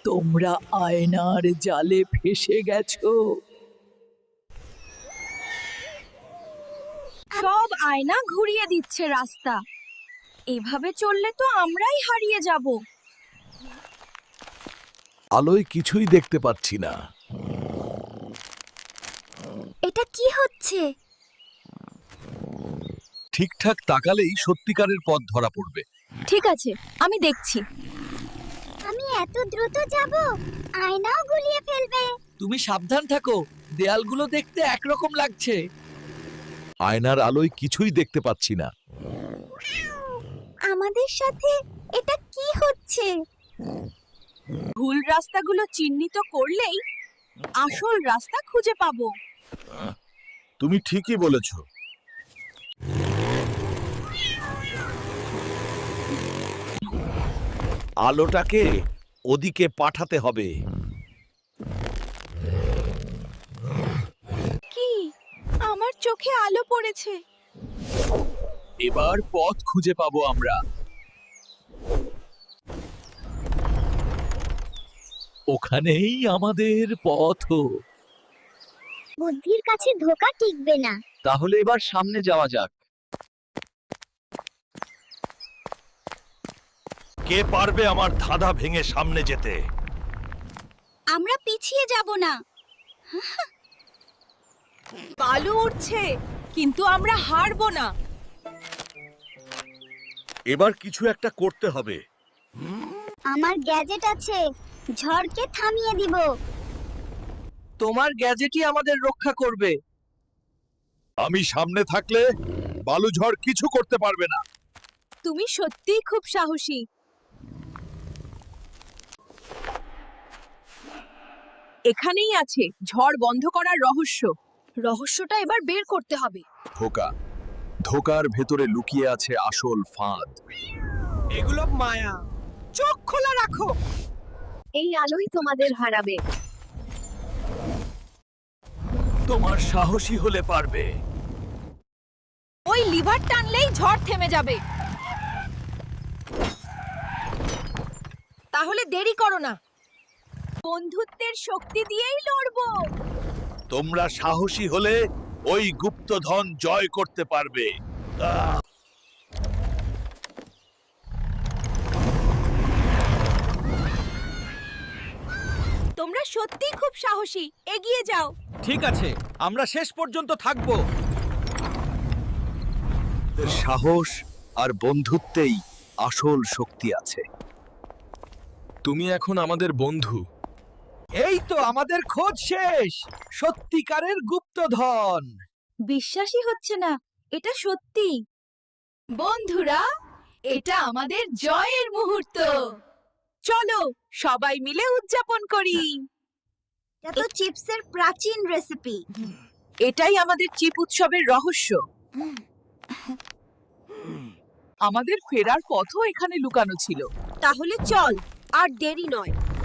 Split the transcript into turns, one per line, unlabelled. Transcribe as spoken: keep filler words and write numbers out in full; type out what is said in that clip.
তোমরা আয়নার জালে ফেসে গেছো।
সব আয়না ঘুরিয়ে দিচ্ছে রাস্তা। এভাবে চললে তো আমরাই হারিয়ে যাব।
আলোয় কিছুই দেখতে পাচ্ছি না।
এটা কি হচ্ছে?
ঠিকঠাক তাকালেই সত্যিকারের পথ ধরা পড়বে।
ঠিক আছে, আমি দেখছি।
আমি এত দ্রুত যাব, আয়নাও গুলিয়ে ফেলবে।
তুমি সাবধান থাকো, দেয়ালগুলো দেখতে একরকম লাগছে।
আয়নার আলোয় কিছুই দেখতে পাচ্ছি না।
আমাদের সাথে এটা কি হচ্ছে?
ভুল রাস্তাগুলো চিহ্নিত করলেই আসল রাস্তা খুঁজে পাবো।
তুমি ঠিকই বলেছ। আলোটাকে ওদিকে পাঠাতে হবে।
কি? আমার চোখে আলো পড়েছে।
এবার পথ খুঁজে পাবো আমরা। ওখানেই আমাদের পথ।
বুদ্ধির কাছে ধোঁকা টিকবে না।
তাহলে এবার সামনে যাওয়া যাক।
কে পারবে আমার ধাঁধা ভেঙে সামনে যেতে?
আমরা পিছিয়ে যাব না। বালু উঠছে, কিন্তু আমরা হারবো না।
এবার কিছু একটা করতে হবে।
আমার গ্যাজেট আছে, ঝড়কে থামিয়ে দিব।
তোমার গ্যাজেটই আমাদের রক্ষা করবে।
আমি সামনে থাকলে বালুঝড় কিছু করতে পারবে না।
তুমি সত্যিই খুব সাহসী। এখানেই আছে ঝড় বন্ধ করার রহস্য। রহস্যটা এবার বের করতে হবে।
ধোকা, ধোকার ভেতরে লুকিয়ে আছে আসল ফাঁদ।
এগুলো মায়া, চোখ খোলা রাখো।
এই আলোই তোমাদের হারাবে।
তোমার সাহসী হলে পারবে।
ওই লিভার টানলেই ঝড় থেমে যাবে। তাহলে দেরি করো না, বন্ধুত্বের শক্তি দিয়েই লড়বো।
তোমরা সাহসী হলে ওই গুপ্তধন জয় করতে পারবে। আহ!
তোমরা সত্যিই খুব সাহসী, এগিয়ে যাও।
ঠিক আছে, আমরা শেষ পর্যন্ত থাকবো।
সাহস আর বন্ধুত্বেই আসল শক্তি আছে। তুমি এখন আমাদের বন্ধু।
এই তো আমাদের খোঁজ শেষ। সত্যিকারের গুপ্তধন।
বিশ্বাসই হচ্ছে না, এটা সত্যি। বন্ধুরা, এটা আমাদের জয়ের মুহূর্ত। চলো সবাই মিলে উদযাপন করি।
এটা তো চিপসের প্রাচীন রেসিপি।
এটাই আমাদের চিপ উৎসবের রহস্য।
আমাদের ফেরার পথও এখানে লুকানো ছিল।
তাহলে চল, আর দেরি নয়।